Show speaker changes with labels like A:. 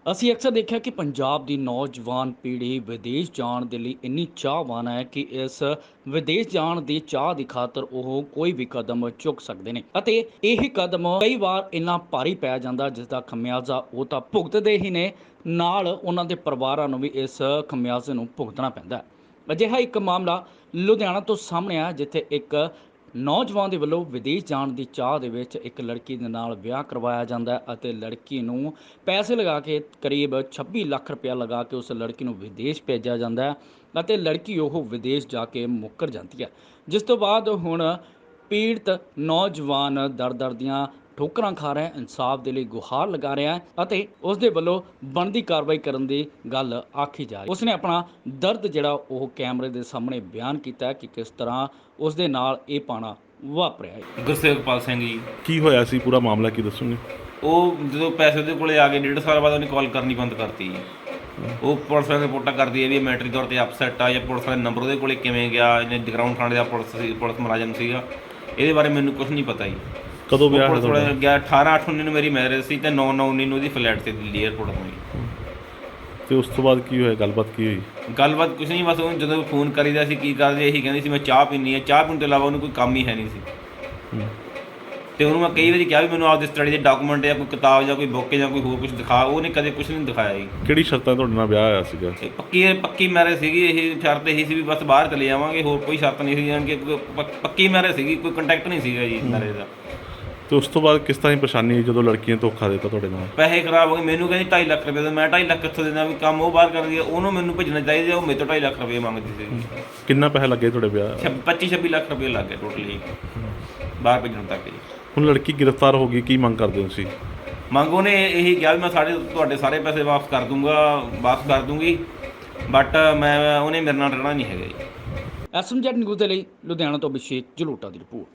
A: ਅਸੀਂ ਅਕਸਰ ਦੇਖਿਆ ਕਿ ਪੰਜਾਬ ਦੀ ਨੌਜਵਾਨ ਪੀੜ੍ਹੀ ਵਿਦੇਸ਼ ਜਾਣ ਦੇ ਲਈ ਇੰਨੀ ਚਾਹਵਾਨ ਹੈ ਕਿ ਇਸ ਵਿਦੇਸ਼ ਜਾਣ ਦੀ ਚਾਹ ਦੀ ਖਾਤਰ ਉਹ ਕੋਈ ਵੀ ਕਦਮ ਚੁੱਕ ਸਕਦੇ ਨੇ ਅਤੇ ਇਹ ਕਦਮ ਕਈ ਵਾਰ ਇੰਨਾ ਭਾਰੀ ਪੈ ਜਾਂਦਾ ਜਿਸ ਦਾ ਖਮਿਆਜ਼ਾ ਉਹ ਤਾਂ ਭੁਗਤਦੇ ਹੀ ਨੇ, ਨਾਲ ਉਹਨਾਂ ਦੇ ਪਰਿਵਾਰਾਂ ਨੂੰ ਵੀ ਇਸ ਖਮਿਆਜ਼ੇ ਨੂੰ ਭੁਗਤਣਾ ਪੈਂਦਾ ਹੈ। ਅਜਿਹਾ ਇੱਕ ਮਾਮਲਾ ਲੁਧਿਆਣਾ ਤੋਂ ਸਾਹਮਣੇ ਆਇਆ, ਜਿੱਥੇ ਇੱਕ ਨੌਜਵਾਨ ਦੇ ਵੱਲੋਂ ਵਿਦੇਸ਼ ਜਾਣ ਦੀ ਚਾਹ ਦੇ ਵਿੱਚ ਇੱਕ ਲੜਕੀ ਦੇ ਨਾਲ ਵਿਆਹ ਕਰਵਾਇਆ ਜਾਂਦਾ ਹੈ ਅਤੇ ਲੜਕੀ ਨੂੰ ਪੈਸੇ ਲਗਾ ਕੇ ਕਰੀਬ 26 ਲੱਖ ਰੁਪਇਆ ਲਗਾ ਕੇ ਉਸ ਲੜਕੀ ਨੂੰ ਵਿਦੇਸ਼ ਭੇਜਿਆ ਜਾਂਦਾ ਹੈ ਅਤੇ ਲੜਕੀ ਉਹ ਵਿਦੇਸ਼ ਜਾ ਕੇ ਮੁੱਕਰ ਜਾਂਦੀ ਹੈ, ਜਿਸ ਤੋਂ ਬਾਅਦ ਹੁਣ ਪੀੜਤ ਨੌਜਵਾਨ ਦਰ ਦੀਆਂ ਠੋਕਰਾਂ ਖਾ ਰਿਹਾ ਹੈ, ਇਨਸਾਫ ਦੇ ਲਈ ਗੁਹਾਰ ਲਗਾ ਰਿਹਾ ਹੈ ਅਤੇ ਉਸ ਦੇ ਵੱਲੋਂ ਬਣਦੀ ਕਾਰਵਾਈ ਕਰਨ ਦੀ ਗੱਲ ਆਖੀ ਜਾ ਰਹੀ ਹੈ। ਉਸਨੇ ਆਪਣਾ ਦਰਦ ਜਿਹੜਾ ਉਹ ਕੈਮਰੇ ਦੇ ਸਾਹਮਣੇ ਬਿਆਨ ਕੀਤਾ ਹੈ ਕਿ ਕਿਸ ਤਰ੍ਹਾਂ ਉਸ ਦੇ ਨਾਲ ਇਹ ਪਾਣਾ ਵਾਪਰਿਆ ਹੈ।
B: ਗੁਰਸੇਵਕਪਾਲ ਸਿੰਘ ਜੀ।
C: ਕੀ ਹੋਇਆ ਸੀ, ਪੂਰਾ ਮਾਮਲਾ ਕੀ ਦੱਸੋਗੇ?
B: ਉਹ ਜਦੋਂ ਪੈਸੇ ਉਹਦੇ ਕੋਲੇ ਆ ਗਏ 1.5 ਸਾਲ ਬਾਅਦ ਉਹਨੇ ਕਾਲ ਕਰਨੀ ਬੰਦ ਕਰਤੀ ਜੀ। ਉਹ ਪੁਲਿਸ ਵਾਲੇ ਰਿਪੋਰਟਾਂ ਕਰਦੀ ਹੈ ਵੀ ਮੈਂਟਰੀ ਤੌਰ ਤੇ ਅਪਸੈਟ ਆ, ਜਾਂ ਪੁਲਿਸ ਵਾਲੇ ਨੰਬਰ ਉਹਦੇ ਕੋਲੇ ਕਿਵੇਂ ਗਿਆ, ਇਹਨੇ ਜਗਰਾਉਂ ਥਾਣੇ ਦਾ ਪੁਲਿਸ ਮੁਲਾਜ਼ਮ ਸੀਗਾ, ਇਹਦੇ ਬਾਰੇ ਮੈਨੂੰ ਕੁਝ ਨਹੀਂ ਪਤਾ ਜੀ।
C: ਕਦੋਂ ਵਿਆਹ
B: ਪੁਲਿਸ ਵਾਲੇ ਗਿਆ 18/8/19 ਨੂੰ ਮੇਰੀ ਮੈਰਿਜ ਸੀ ਤੇ 9/9/19 ਨੂੰ ਉਹਦੀ ਫਲੈਟ ਤੇ ਦਿੱਲੀ ਏਅਰਪੋਰਟ ਤੋਂ ਜੀ।
C: ਤੇ ਉਸ ਤੋਂ ਬਾਅਦ ਕੀ ਹੋਇਆ, ਗੱਲਬਾਤ ਕੀ ਹੋਈ?
B: ਗੱਲਬਾਤ ਕੁਛ ਨਹੀਂ, ਬਸ ਉਹਨੂੰ ਜਦੋਂ ਫੋਨ ਕਰੀਦਾ ਸੀ ਕੀ ਕਰਦੇ, ਇਹੀ ਕਹਿੰਦੀ ਸੀ ਮੈਂ ਚਾਹ ਪੀਣੀ ਹੈ, ਚਾਹ ਪੀਣ ਤੋਂ ਇਲਾਵਾ ਉਹਨੂੰ ਕੋਈ ਕੰਮ ਹੀ ਹੈ ਨਹੀਂ ਸੀ। ਤੇ ਉਹਨੂੰ ਮੈਂ ਕਈ ਵਾਰੀ ਕਿਹਾ ਵੀ ਮੈਨੂੰ ਆਪਦੇ ਸਟੱਡੀ ਦੇ ਡਾਕੂਮੈਂਟ ਜਾਂ ਕੋਈ ਕਿਤਾਬ ਜਾਂ ਕੋਈ ਬੁੱਕ ਜਾਂ ਕੋਈ ਹੋਰ ਕੁਝ ਦਿਖਾ, ਉਹਨੇ ਕਦੇ ਕੁਝ ਨਹੀਂ ਦਿਖਾਇਆ ਜੀ।
C: ਕਿਹੜੀ ਸ਼ਰਤਾਂ ਤੁਹਾਡੇ ਨਾਲ ਵਿਆਹ ਹੋਇਆ ਸੀਗਾ?
B: ਪੱਕੀ ਮੈਰਿਜ ਸੀਗੀ, ਇਹ ਸ਼ਰਤ ਇਹੀ ਸੀ ਵੀ ਬਸ ਬਾਹਰ ਚਲੇ ਜਾਵਾਂਗੇ, ਹੋਰ ਕੋਈ ਸ਼ਰਤ ਨਹੀਂ ਸੀ, ਜਾਣ ਕੇ ਪੱਕੀ ਮੈਰਿਜ ਸੀਗੀ, ਕੋਈ ਕੰਟੈਕਟ ਨਹੀਂ ਸੀਗਾ ਜੀ ਮੈਰਿਜ ਦਾ।
C: ਤੇ ਉਸ ਤੋਂ ਬਾਅਦ ਕਿਸ ਤਰ੍ਹਾਂ ਦੀ ਪਰੇਸ਼ਾਨੀ ਆਈ ਜਦੋਂ ਲੜਕੀ ਨੇ ਧੋਖਾ ਦਿੱਤਾ ਤੁਹਾਡੇ ਨਾਲ?
B: ਪੈਸੇ ਖਰਾਬ ਹੋ ਗਏ, ਮੈਨੂੰ ਕਹਿੰਦੀ 2.5 ਲੱਖ ਰੁਪਏ ਦਾ, ਮੈਂ 2.5 ਲੱਖ ਕਿੱਥੋਂ ਦੇਣਾ, ਵੀ ਕੰਮ ਉਹ ਬਾਹਰ ਕਰਦੀ ਹੈ, ਉਹਨੂੰ ਮੈਨੂੰ ਭੇਜਣਾ ਚਾਹੀਦਾ, ਉਹ ਮੇਰੇ ਤੋਂ 2.5 ਲੱਖ ਰੁਪਏ ਮੰਗਦੀ ਸੀ।
C: ਕਿੰਨਾ ਪੈਸਾ ਲੱਗੇ ਤੁਹਾਡੇ ਵਿਆਹ?
B: 25-26 ਲੱਖ ਰੁਪਏ ਲੱਗ ਗਏ ਟੋਟਲੀ ਬਾਹਰ ਭੇਜਣ ਤੱਕ ਜੀ।
C: ਹੁਣ ਲੜਕੀ ਗ੍ਰਿਫਤਾਰ ਹੋ ਗਈ, ਕੀ ਮੰਗ ਕਰਦੇ ਹੋ ਤੁਸੀਂ?
B: ਮੰਗ ਉਹਨੇ ਇਹੀ ਕਿਹਾ ਵੀ ਮੈਂ ਤੁਹਾਡੇ ਸਾਰੇ ਪੈਸੇ ਵਾਪਸ ਕਰ ਦੂੰਗੀ, ਬਟ ਉਹਨੇ ਮੇਰੇ ਨਾਲ ਰਹਿਣਾ ਨਹੀਂ ਹੈਗਾ ਜੀ।
A: SMZ ਨਿਊਜ਼ ਦੇ ਲਈ ਲੁਧਿਆਣਾ ਤੋਂ ਅਭਿਸ਼ੇਕ ਜਲੋਟਾ ਦੀ ਰਿਪੋਰਟ।